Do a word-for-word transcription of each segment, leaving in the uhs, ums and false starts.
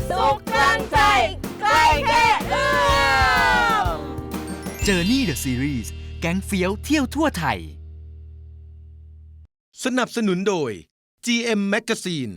สุขกลางใจใกล้แค่เอื้อม Journey the Series แก๊งเฟี้ยวเที่ยวทั่วไทยสนับสนุนโดย จี เอ็ม Magazine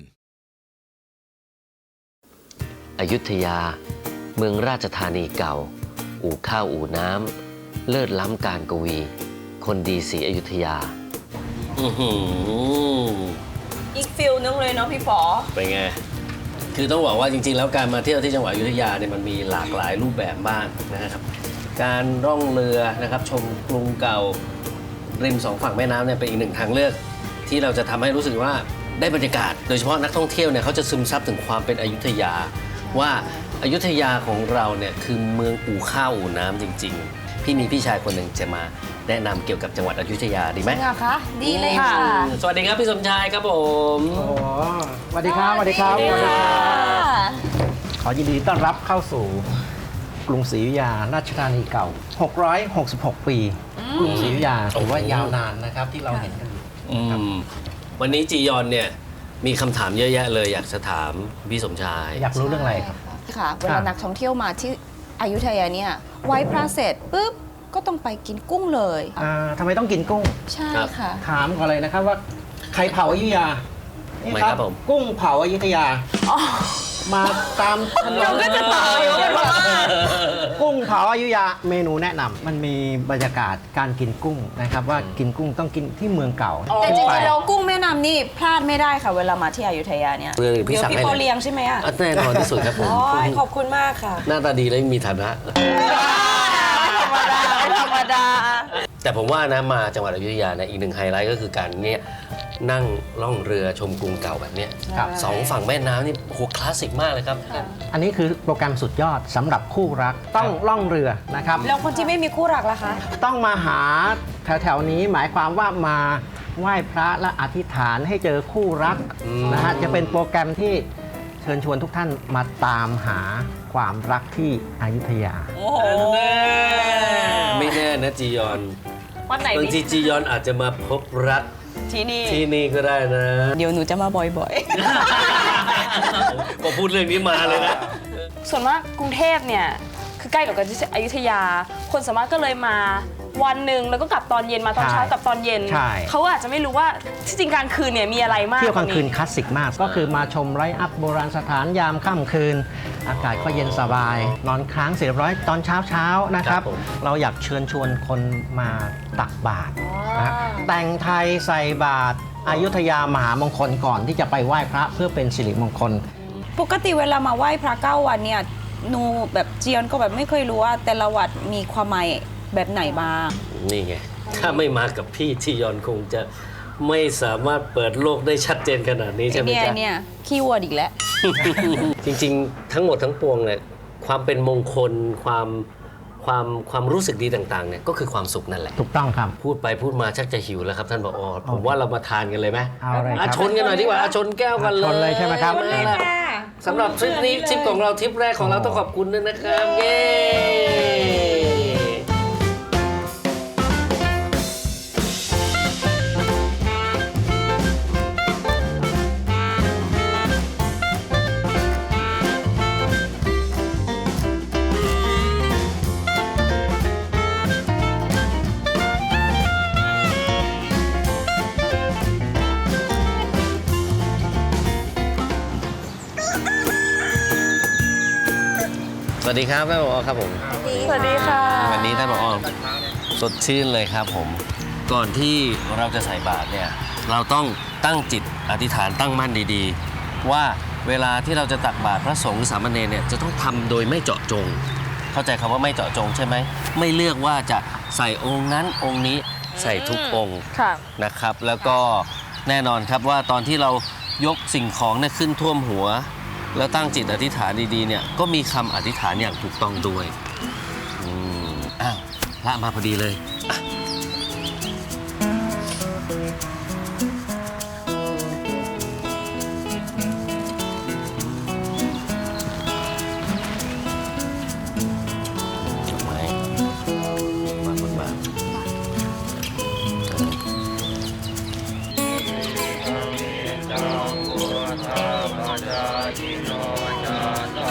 อยุธยาเมืองราชธานีเก่าอู่ข้าวอู่น้ำเลิศล้ำการกวี คนดีศรีอยุธยาอือหืออีกฟิลนึงเลยเนาะพี่ป๋อเป็นไงคือต้องบอกว่าจริงๆแล้วการมาเที่ยวที่จังหวัดอยุธยาเนี่ยมันมีหลากหลายรูปแบบบ้างนะครับการร่องเรือนะครับชมกรุงเก่าริมสองฝั่งแม่น้ำเนี่ยเป็นอีกหนึ่งทางเลือกที่เราจะทำให้รู้สึกว่าได้บรรยากาศโดยเฉพาะนักท่องเที่ยวเนี่ยเขาจะซึมซับถึงความเป็นอยุธยาว่าอยุธยาของเราเนี่ยคือเมืองอู่ข้าวอู่น้ำจริงๆพี่มีพี่ชายคนหนึ่งจะมาแนะนำเกี่ยวกับจังหวัดอยุธยาดีไหมจริงเหรอคะดีเลยค่ะสวัสดีครับพี่สมชายครับผมโอ้สวัสดีครับสวัสดีครับสวัสดีค่ะขอยินดีต้อนรับเข้าสู่กรุงศรีอยุธยาราชธานีเก่าหกร้อยหกสิบหกปีกรุงศรีอยุธยาถือว่ายาวนานนะครับที่เราเห็นกันอยู่อืมวันนี้จียอนเนี่ยมีคำถามเยอะแยะเลยอยากจะถามพี่สมชายอยากรู้เรื่องอะไรครับค่ะเวลานักท่องเที่ยวมาที่อยุธยาเนี่ยไหว้พระเสร็จปุ๊บก็ต้องไปกินกุ้งเลยอ่าทำไมต้องกินกุ้งใช่ค่ะถามก่อนเลยนะครับว่าใครเผาอยุธยานี่ไม่ครับผมกุ้งเผาอยุธยามาตามถนนเราก็จะเผาอยู่เป็นว่ากุ้งเผาอยุธยาเมนูแนะนำมันมีบรรยากาศการกินกุ้งนะครับว่ากินกุ้งต้องกินที่เมืองเก่าแต่จขึ้นไปริงๆเรากุ้งแม่น้ำนี่พลาดไม่ได้ค่ะเวลามาที่อยุธยาเนี่ยเรื่องพี่เดี๋ยวสั่งพี่ให้โปเลยเลี้ยงใช่ไหมอ่ะอ่ะแน่นอนที่สุดครับผมโอ้ยขอบคุณมากค่ะหน้าตาดีและมีฐานะธรรมดาธรรมดาแต่ผมว่านะมาจังหวัดอยุธยาเนี่ยอีกหนึ่งไฮไลท์ก็คือการเนี่ยนั่งล่องเรือชมกรุงเก่าแบบเนี้ยครับสองฝั่งแม่น้ำนี่โหคลาสสิกมากเลยครับอันนี้คือโปรแกรมสุดยอดสำหรับคู่รักต้องล่องเรือนะครับแล้วคนที่ไม่มีคู่รักล่ะคะต้องมาหาแถวๆนี้หมายความว่ามาไหว้พระและอธิษฐานให้เจอคู่รักอืมนะฮะจะเป็นโปรแกรมที่เชิญชวนทุกท่านมาตามหาความรักที่อยุธยาโอ้โหไม่แน่นะจียอนวันไหนบางทีดีจียอนอาจจะมาพบรักที่นี่ที่นี่ก็ได้นะเดี๋ยวหนูจะมาบ่อยพอพูดเรื่องนี้มาเลยนะส่วนมากกรุงเทพเนี่ยคือใกล้กับอยุธยา คนสามารถก็เลยมาวันหนึ่งแล้วก็กลับตอนเย็นมาตอนใช่เช้ากลับตอนเย็นใช่เขาอาจจะไม่รู้ว่าที่จริงกลางคืนเนี่ยมีอะไรมากเที่ยวกลางคืนว่คลาสสิกมาก ก็คือมาชมไลท์อัพโบราณสถานยามค่ำคืน อากาศก็เย็นสบาย นอนค้างเสร็จเรียบร้อยตอนเช้าเช้าๆนะครับครับผมเราอยากเชิญชวนคนมาตักบาตรนะฮะแต่งไทยใส่บาตรอยุธยามหามงคลก่อนที่จะไปไหว้พระเพื่อเป็นสิริมงคลๆ ปกติเวลามาไหว้พระเก้าวันเนี่ยหนูแบบเจียนก็แบบไม่เคยรู้ว่าแต่ละวัดมีความหมายแบบไหนบ้างนี่ไง ถ้าไม่มากับพี่จียอนคงจะไม่สามารถเปิดโลกได้ชัดเจนขนาดนี้ใช่ไหมเนี่ยจ๊ะเนี่ยคีย์เวิร์ดอีกแล้วจริงๆ ทั้งหมดทั้งปวงเนี่ยความเป็นมงคลความความความรู้สึกดีต่างๆเนี่ยก็คือความสุขนั่นแหละถูกต้องครับพูดไปพูดมาชักจะหิวแล้วครับท่านผอผมว่าเรามาทานกันเลยไหมเอาเลยครับอ่ะชนกันหน่อยดีกว่าอ่ะชนแก้วกันเลยชนเลยใช่ไหมครับมาละสำหรับทริปนี้ทริปของเราทริปแรกของเราต้องขอบคุณด้วยนะครับเย้สวัสดีครับท่านผอครับผมสวัสดีค่ะวันนี้ท่านผอสดชื่นเลยครับผมก่อนที่เราจะใส่บาตรเนี่ยเราต้องตั้งจิตอธิษฐานตั้งมั่นดีๆ ว่าเวลาที่เราจะตักบาตรพระสงฆ์หรือสามเณรเนี่ยจะต้องทำโดยไม่เจาะจง เข้าใจคำว่าไม่เจาะจงใช่ไหมไม่เลือกว่าจะใส่องค์นั้นองค์นี้ใส่ทุกองค์ค่ะนะครับ แล้วก็แน่นอนครับว่าตอนที่เรายกสิ่งของเนี่ยขึ้นท่วมหัว แล้วตั้งจิตอธิษฐานดีๆเนี่ยก็มีคำอธิษฐานอย่างถูกต้องด้วยอืมอ้าวพระมาพอดีเลยอ่ะดอกไม้วางบนบาตรจัง พุทธาจาริโนจาตา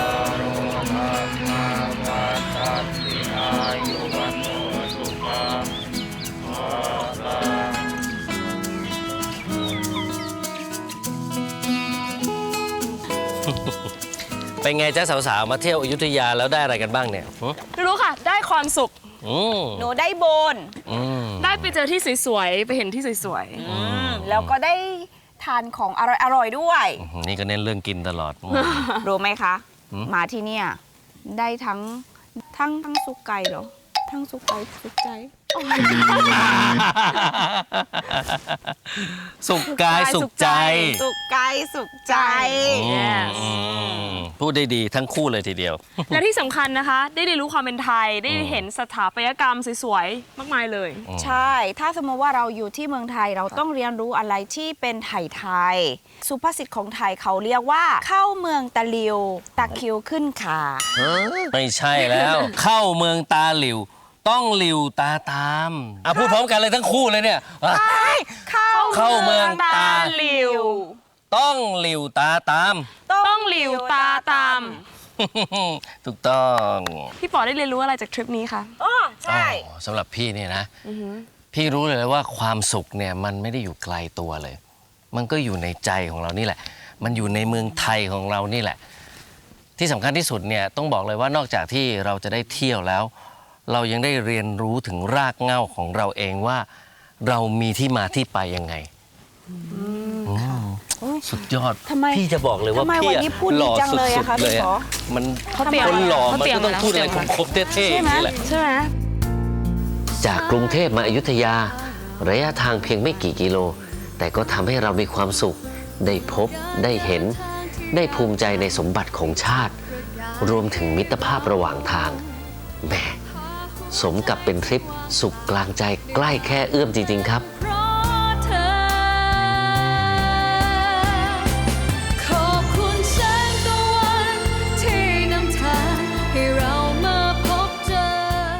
เป็นไงจ๊ะสาวๆ มาเที่ยวอยุธยาแล้วได้อะไรกันบ้างเนี่ยหึรู้ค่ะ ได้ความสุขอืมหนูได้โบนอืมได้ไปเจอที่สวยๆ ไปเห็นที่สวยอืมแล้วก็ได้ทานของอร่อยๆด้วยนี่ก็เน้นเรื่องกินตลอดอืมรู้ไหมคะหืมมาที่เนี่ยได้ทั้งทั้งทั้งสุกไก่เหรอ ทั้งสุกไก่สุกใจสุขกายสุขใจสุกกายสุขใจ Yes อืมพูดได้ดีทั้งคู่เลยทีเดียวๆ และที่สำคัญนะคะ ได้เรียนรู้ความเป็นไทย ได้เห็นสถาปัตยกรรมสวยๆ มากมายเลยใช่ ถ้าสมมติว่าเราอยู่ที่เมืองไทยเราต้องเรียนรู้อะไรที่เป็นไทยไทยๆสุภาษิตของไทยเขาเรียกว่า เข้าเมืองตะลิวตะคริวขึ้นขาไม่ใช่แล้ว เข้าเมืองตาหลิว ต้องหลิวตาตามอ่ะพูดพร้อมกันเลยทั้งคู่เลยเนี่ยอ่ะเข้าเข้าเมืองตาหลิวต้องหลิวตาตามต้องหลิวตาตามถูกต้องพี่ป๋อได้เรียนรู้อะไรจากทริปนี้คะอ๋อใช่อ๋อสำหรับพี่เนี่ยนะ พี่รู้เลยว่าความสุขเนี่ยมันไม่ได้อยู่ไกลตัวเลย มันก็อยู่ในใจของเรานี่แหละ มันอยู่ในเมืองไทยของเรานี่แหละ ที่สำคัญที่สุดเนี่ยต้องบอกเลยว่านอกจากที่เราจะได้เที่ยวแล้ว เรายังได้เรียนรู้ถึงรากเหง้าของเราเองว่า เรามีที่มาที่ไปยังไงอืมสุดยอดทำไมพี่จะบอกเลยว่าทำไมพี่วันอะนี้พูดหล่อดีจังสุเลยอะดคะๆเลยพี่อะป๋อมันเขาเตรียมคนหล่อเขามันเตรียมก็ต้องมาแล้วพูดอะไรเขาเตรียมมาคมๆเท่ๆอย่างนี้แหละใช่ไหมจากกรุงเทพมาอยุธยา ระยะทางเพียงไม่กี่กิโล แต่ก็ทำให้เรามีความสุข ได้พบ ได้เห็น ได้ภูมิใจในสมบัติของชาติ รวมถึงมิตรภาพระหว่างทางแหมสมกับเป็นทริปสุขกลางใจใกล้แค่เอื้อมจริง ๆ ครับเพราะเธอ ขอบคุณแสงตะวันที่นำทางให้เรามาพบเจอ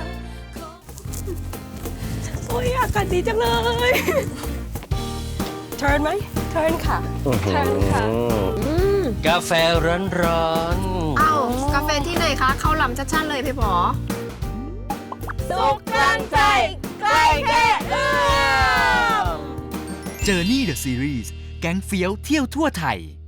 โอ้ยอากาศดีจังเลย เทิร์นไหมเทิร์นค่ะเชิญค่ะกาแฟร้อนๆเอ้ากาแฟที่ไหนคะ เข้าลำชัดๆเลยพี่หมอสุขกลางใจใกล้แค่เอื้อม Journey the Series แก๊งเฟี้ยวเที่ยวทั่วไทย